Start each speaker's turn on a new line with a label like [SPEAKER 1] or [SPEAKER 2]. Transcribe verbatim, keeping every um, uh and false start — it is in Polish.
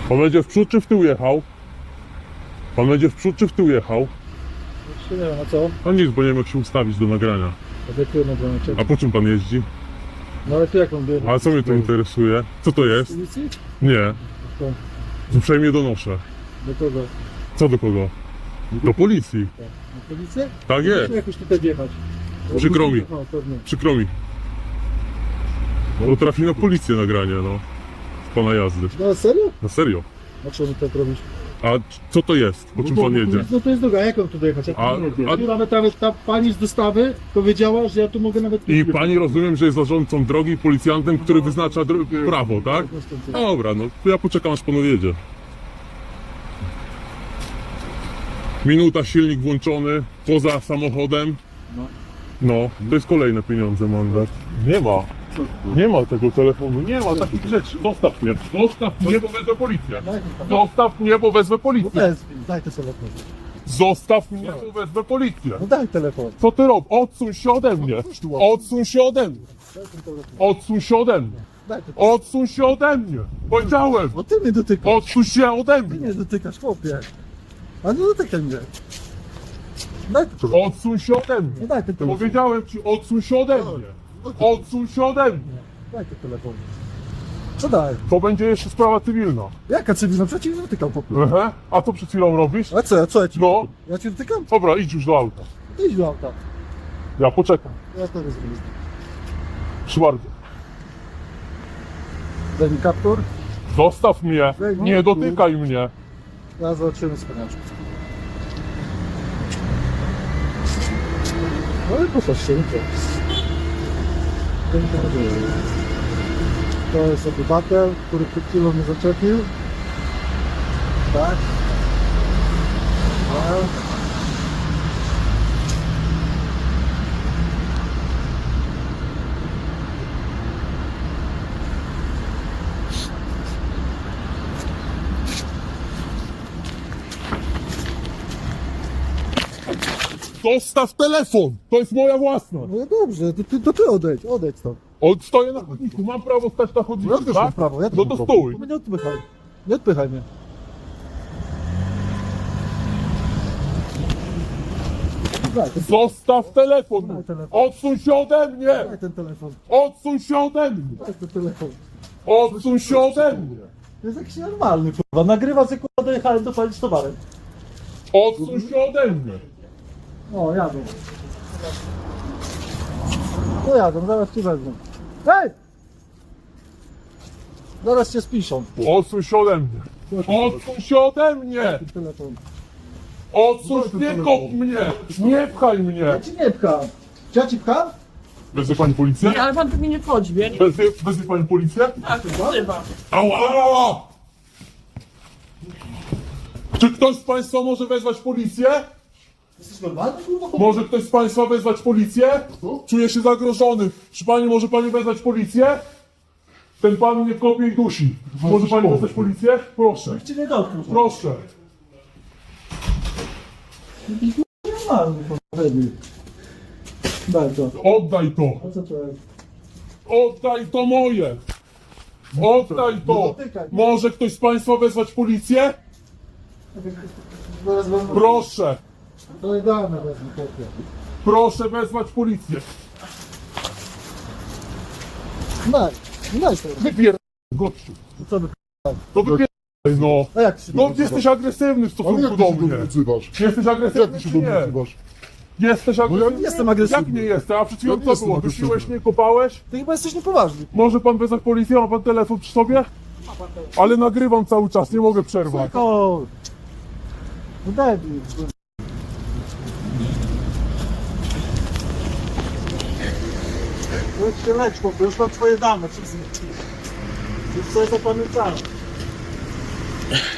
[SPEAKER 1] Pan będzie w przód czy w tył jechał? Pan będzie w przód czy w tył jechał?
[SPEAKER 2] Nie wiem, a co?
[SPEAKER 1] No nic, bo nie wiem jak się ustawić do nagrania.
[SPEAKER 2] A jakiego nagrania?
[SPEAKER 1] A po czym pan jeździ?
[SPEAKER 2] No ale to jak on bierze?
[SPEAKER 1] Ale co mnie to interesuje? Co to jest?
[SPEAKER 2] Policji?
[SPEAKER 1] Nie.
[SPEAKER 2] To,
[SPEAKER 1] Uprzejmie donoszę.
[SPEAKER 2] do kogo?
[SPEAKER 1] Co do kogo? Do policji.
[SPEAKER 2] Na policję?
[SPEAKER 1] Tak jest.
[SPEAKER 2] Musimy jakoś tutaj wjechać.
[SPEAKER 1] Przykro mi.
[SPEAKER 2] No, pewnie.
[SPEAKER 1] Przykro mi. Bo trafi na policję nagranie, no. Z pana jazdy.
[SPEAKER 2] No serio?
[SPEAKER 1] Na serio.
[SPEAKER 2] A co mi tak robisz?
[SPEAKER 1] A co to jest? Po czym pan jedzie?
[SPEAKER 2] No to jest droga, jak mam tu dojechać? Ja tu
[SPEAKER 1] A-
[SPEAKER 2] nie wiem.
[SPEAKER 1] a-
[SPEAKER 2] Tu nawet, nawet ta pani z dostawy powiedziała, że ja tu mogę nawet...
[SPEAKER 1] I pani rozumiem, że jest zarządcą drogi i policjantem, który wyznacza dro- prawo, tak? Dobra, no to ja poczekam aż pan odjedzie. Minuta, silnik włączony, poza samochodem.
[SPEAKER 2] No.
[SPEAKER 1] No, to jest kolejne pieniądze, mandat. Nie ma. Nie ma tego telefonu, nie ma takich rzeczy. Zostaw mnie, zostaw mnie, bo wezwę policję.
[SPEAKER 2] Daj ten telefon.
[SPEAKER 1] Zostaw mnie, bo wezwę
[SPEAKER 2] No
[SPEAKER 1] policję.
[SPEAKER 2] bez, daj ten telefon.
[SPEAKER 1] Zostaw mnie, bo wezwę policję.
[SPEAKER 2] No daj telefon.
[SPEAKER 1] Co ty robisz? Odsuń się ode mnie. Odsuń się ode mnie.
[SPEAKER 2] Daj ten telefon.
[SPEAKER 1] Odsuń się ode mnie.
[SPEAKER 2] Daj ten telefon.
[SPEAKER 1] Odsuń się ode mnie. Powiedziałem.
[SPEAKER 2] Bo ty mnie dotykasz.
[SPEAKER 1] Odsuń się ode
[SPEAKER 2] Ty
[SPEAKER 1] mnie.
[SPEAKER 2] mnie dotykasz, chłopie. A nie dotykaj mnie. Daj ten telefon.
[SPEAKER 1] Odsuń się ode
[SPEAKER 2] No
[SPEAKER 1] mnie.
[SPEAKER 2] daj ten telefon.
[SPEAKER 1] Powiedziałem ci, odsuń się ode mnie. Odsuń się ode mnie.
[SPEAKER 2] Daj ten telefon. Co daj?
[SPEAKER 1] To będzie jeszcze sprawa cywilna.
[SPEAKER 2] Jaka cywilna? Przecież nie dotykam, chłopie.
[SPEAKER 1] Aha. A co przed chwilą robisz?
[SPEAKER 2] A co, co ja ci?
[SPEAKER 1] No.
[SPEAKER 2] Ja cię dotykam?
[SPEAKER 1] Dobra, idź już do auta.
[SPEAKER 2] Ty idź do auta.
[SPEAKER 1] Ja poczekam.
[SPEAKER 2] Ja to rozumiem.
[SPEAKER 1] Proszę bardzo.
[SPEAKER 2] Daj mi kaptur.
[SPEAKER 1] Zostaw mnie. Nie dotykaj mnie.
[SPEAKER 2] Ja zobaczymy spaniaczku. No i popatrz się, to. To jest obywatel, który przed chwilą mnie zaczepił. Tak. Tak.
[SPEAKER 1] Zostaw telefon. To jest moja własność.
[SPEAKER 2] No dobrze, to ty, to ty odejdź, odejdź stąd.
[SPEAKER 1] Od, stoję na chodniku. Mam prawo stać na chodniku,
[SPEAKER 2] Ja też
[SPEAKER 1] tak?
[SPEAKER 2] mam prawo, ja też
[SPEAKER 1] No
[SPEAKER 2] mam
[SPEAKER 1] to
[SPEAKER 2] prawo.
[SPEAKER 1] stój.
[SPEAKER 2] No nie odpychaj. Nie odpychaj mnie. Daj ten,
[SPEAKER 1] Zostaw telefon.
[SPEAKER 2] Daj telefon.
[SPEAKER 1] Odsuń się ode mnie.
[SPEAKER 2] daj ten telefon.
[SPEAKER 1] Odsuń się ode mnie.
[SPEAKER 2] Daj ten telefon.
[SPEAKER 1] Odsuń się ode mnie.
[SPEAKER 2] To jest jakiś normalny, kurwa. Nagrywa, że kurwa dojechałem do pani z towarem.
[SPEAKER 1] Odsuń się ode mnie.
[SPEAKER 2] O, jadą. No jadą, zaraz ci wezmą. Hej! Zaraz cię spiszą.
[SPEAKER 1] Odsuń się ode mnie. Odsuń się ode mnie.
[SPEAKER 2] Ten telefon.
[SPEAKER 1] Odsuń, nie kop mnie. Nie pchaj mnie.
[SPEAKER 2] Ja ci nie pcham. Czy ja ci pcham?
[SPEAKER 1] Wezwie pani policję?
[SPEAKER 3] Ale pan tu mnie nie wchodzi, wie?
[SPEAKER 1] Wezwie, wezwie pani policję?
[SPEAKER 3] Tak, chyba.
[SPEAKER 1] Ała, ała! Czy ktoś z państwa może wezwać policję?
[SPEAKER 2] Jesteś normalny, kurwa?
[SPEAKER 1] Może ktoś z państwa wezwać policję? Czuję się zagrożony. Czy pani może pani wezwać policję? Ten pan mnie kopie i dusi. Może pani wezwać policję? Proszę.
[SPEAKER 2] Cię nie dotknął.
[SPEAKER 1] Proszę.
[SPEAKER 2] Normalny, kurwa. Daj to.
[SPEAKER 1] Oddaj to.
[SPEAKER 2] A co to jest?
[SPEAKER 1] Oddaj to moje. Oddaj to. Może ktoś z państwa wezwać policję?
[SPEAKER 2] Zaraz wam...
[SPEAKER 1] Proszę.
[SPEAKER 2] To idealne wezmę, chłopie.
[SPEAKER 1] Proszę wezwać policję.
[SPEAKER 2] Daj, daj to.
[SPEAKER 1] Wypier... gościu.
[SPEAKER 2] Co wy...
[SPEAKER 1] To wypier... no.
[SPEAKER 2] A jak się
[SPEAKER 1] No jesteś agresywny w
[SPEAKER 4] Ale
[SPEAKER 1] stosunku
[SPEAKER 4] jak
[SPEAKER 1] do
[SPEAKER 4] ty się do
[SPEAKER 1] mnie.
[SPEAKER 4] mnie odzywasz?
[SPEAKER 1] Jesteś
[SPEAKER 4] Jak
[SPEAKER 1] agresywny
[SPEAKER 4] ty się
[SPEAKER 1] czy
[SPEAKER 4] do mnie
[SPEAKER 1] nie?
[SPEAKER 4] odzywasz?
[SPEAKER 1] Jesteś agresywny?
[SPEAKER 2] Jestem agresywny.
[SPEAKER 1] Jak nie jestem? A przed chwilą
[SPEAKER 4] Ja nie
[SPEAKER 1] co
[SPEAKER 4] jestem
[SPEAKER 1] było?
[SPEAKER 4] agresywny.
[SPEAKER 1] Dusiłeś mnie, kopałeś?
[SPEAKER 2] Ty chyba jesteś niepoważny.
[SPEAKER 1] Może pan wezwać policję? Ma pan telefon przy sobie? Ale nagrywam cały czas, nie mogę przerwać.
[SPEAKER 2] O! No daj mi. Już się lecz, chłopie, już mam twoje dane, wszystkie. Już sobie zapamiętałem.